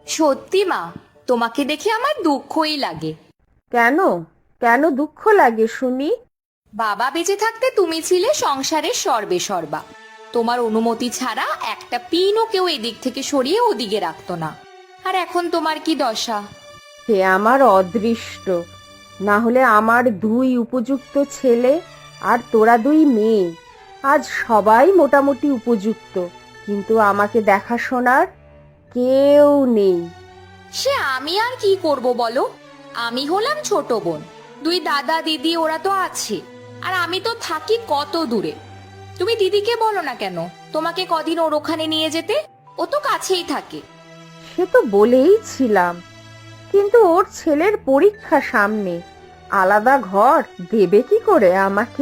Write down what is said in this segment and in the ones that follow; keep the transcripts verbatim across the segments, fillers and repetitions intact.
সত্যি মা, তোমাকে দেখে আমার দুঃখই লাগে। কেন কেন দুঃখ লাগে শুনি? বাবা বেঁচে থাকতে তুমি ছিলে সংসারের সর্বে সর্বা। তোমার অনুমতি ছাড়া একটা পিনও কেউ এদিক থেকে সরিয়ে ওদিকে রাখতো না। আর এখন তোমার কি দশা! হে আমার অদৃষ্ট, না হলে আমার দুই উপযুক্ত ছেলে আর তোরা দুই মেয়ে, আজ সবাই মোটামুটি উপযুক্ত, কিন্তু আমাকে দেখাশোনার কেউ নেই। সে আমি আর কি করব বলো? আমি হলাম ছোট বোন, দুই দাদা দিদি ওরা তো আছে, আর আমি তো থাকি কত দূরে। তুমি দিদিকে বলো না কেন তোমাকে কদিন ওর ওখানে নিয়ে যেতে, ও তো কাছেই থাকে। সে তো বলেই ছিলাম, কিন্তু ওর ছেলের পরীক্ষা সামনে, আলাদা ঘর দেবে কি করে আমাকে?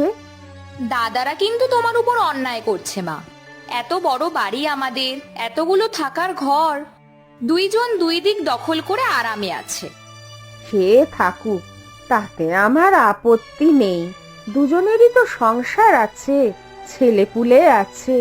দাদারা কিন্তু তোমার উপর অন্যায় করছে মা। এত বড় বাড়ি আমাদের, এতগুলো থাকার ঘর, দুইজন দুই দিক দখল করে আরামে আছে। সে থাকুক, তাতে আমার আপত্তি নেই। দুজনেরই তো সংসার আছে, ছেলেপুলে আছে।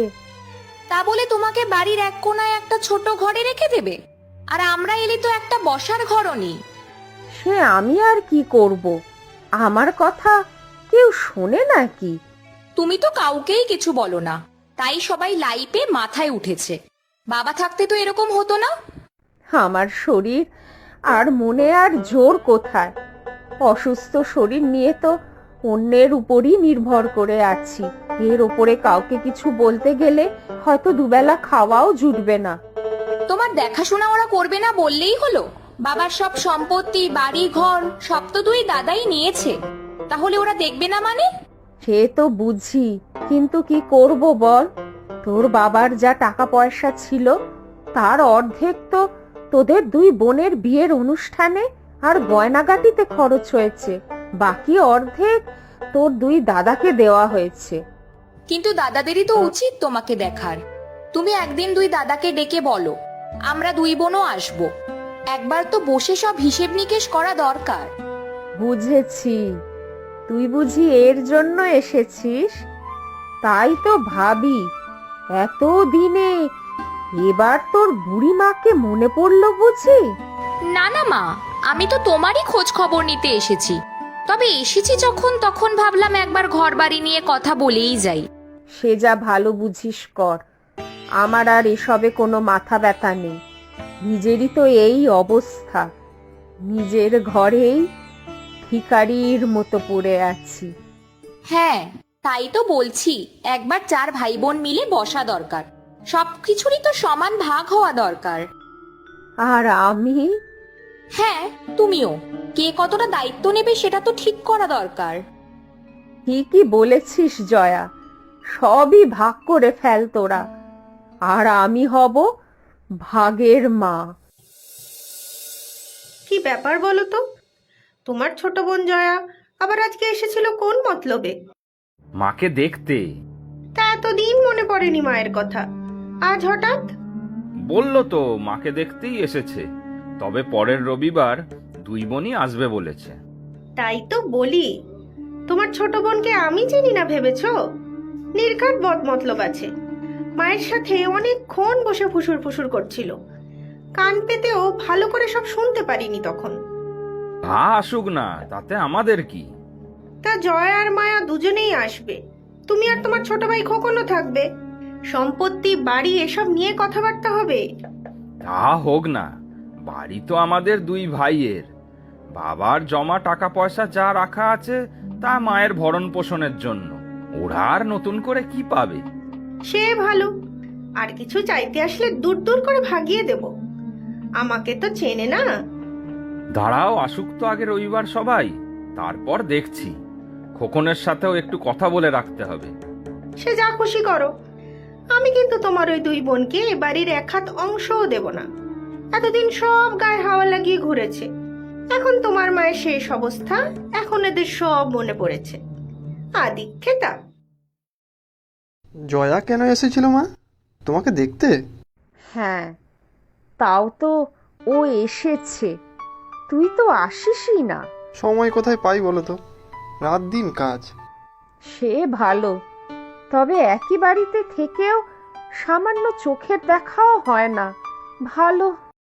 তা বলে তোমাকে বাড়ির এক কোনায় একটা ছোট ঘরে রেখে দেবে? আর আমরা এলে তো একটা বসার ঘরও নেই। সে আমি আর কি করব? আমার কথা কেউ শোনে নাকি? তুমি তো কাউকেই কিছু বলো না, তাই সবাই লাইপে মাথায় উঠেছে। বাবা থাকতে তো এরকম হতো না। আমার শরীর আর মনে আর জোর কোথায়? অসুস্থ শরীর নিয়ে তো অন্যের উপরই নির্ভর করে আছি। এর ওপরে কাউকে কিছু বলতে গেলে হয়তো দুবেলা খাওয়াও জুটবে না। তোমার দেখাশোনা ওরা করবে না বললেই হলো? বাবার সব সম্পত্তি, বাড়ি ঘর সব তো দুই দাদাই নিয়েছে, তাহলে ওরা দেখবে না মানে? সে তো বুঝি, কিন্তু কি করব বল? তোর বাবার যা টাকা পয়সা ছিল তার অর্ধেক তো তোদের দুই বোনের বিয়ের অনুষ্ঠানে আর গয়নাগাটিতে খরচ হয়েছে, বাকি অর্ধেক তোর দুই দাদাকে দেওয়া হয়েছে। কিন্তু দাদাদেরই তো উচিত তোমাকে দেখার। তুমি একদিন দুই দাদাকে ডেকে বলো আমরা দুই বোনও আসবো, একবার তো বসে সব হিসেব নিকেশ করা দরকার। বুঝেছি, তুই বুঝি এর জন্য এসেছিস? তাই তো ভাবি, এত দিনে এবার তোর বুড়ি মাকে মনে পড়লো বুঝি? না না মা, আমি তো তোমারই খোঁজ খবর নিতে এসেছি। তবে এসেছি যখন, তখন ভাবলাম একবার ঘর বাড়ি নিয়ে কথা বলেই যাই। সে যা ভালো বুঝিস কর, আমার আর এসবে কোনো মাথা ব্যথা নেই। নিজেরই তো এই অবস্থা, নিজের ঘরেই ভিখারির মতো পড়ে আছি। হ্যাঁ, তাই তো বলছি, একবার চার ভাই বোন মিলে বসা দরকার, সবকিছুরই তো সমান ভাগ হওয়া দরকার। আর আমি? হ্যাঁ, তুমিও। কে কতটা দায়িত্ব নেবে সেটা তো ঠিক করা দরকার। ঠিকই বলেছিস জয়া, সবই ভাগ করে ফেল তোরা, আর আমি হব ভাগের মা। কি ব্যাপার বলো তো? তোমার ছোট বোন জয়া আবার আজকে এসেছিল কোন মতলবে? মাকে দেখতে। তা এতদিন মনে পড়েনি মায়ের কথা, আজ হঠাৎ? বললো তো মাকে দেখতেই এসেছে, তবে পরের রবিবার দুই বোনই আসবে বলেছে। তাই তো বলি, তোমার ছোট বোনকে আমি চিনি না ভেবেছো? নির্ঘাত বদ মতলব আছে। মায়ের সাথে অনেকক্ষণ বসে ফুসুর ফুসুর করছিল, কান পেতেও ভালো করে সব শুনতে পারিনি তখন। ভা আসুক না, তাতে আমাদের কি? তা জয়া আর মায়া দুজনেই আসবে, তুমি আর তোমার ছোট ভাই খোকনও থাকবে। সম্পত্তি বাড়ি এসব নিয়ে কথাবার্তা হবে। তা হোক না, বাড়ি তো আমাদের দুই ভাইয়ের। বাবার জমা টাকা পয়সা যা রাখা আছে তা মায়ের ভরণ পোষণের জন্য, ওরা আর নতুন করে কি পাবে? সে ভালো, আর কিছু চাইতে আসলে দূর দূর করে ভাগিয়ে দেব। আমাকে তো চেনে না। দাঁড়াও, আসুক তো আগে রবিবার সবাই, তারপর দেখছি। খোকনের সাথেও একটু কথা বলে রাখতে হবে। সে যা খুশি করো, আমি কিন্তু তোমার ওই দুই বোনকে এ বাড়ির এক হাত অংশও দেব না। এতদিন সব গায়ে হাওয়া লাগিয়ে ঘুরেছে, এখন তোমার মায়ের শেষ অবস্থা, এখন এদের সব মনে পড়েছে। আদিক্ষেতা। জয়া কেন এসেছিল মা, তোমাকে দেখতে? হ্যাঁ, তাও তো ও এসেছে, তুই তো আসিসই না। সময় কোথায় পাই বলো তো, রাত দিন কাজ। সে ভালো, তবে একই বাড়িতে থেকেও সামান্য চোখের দেখাও হয় না। ভালো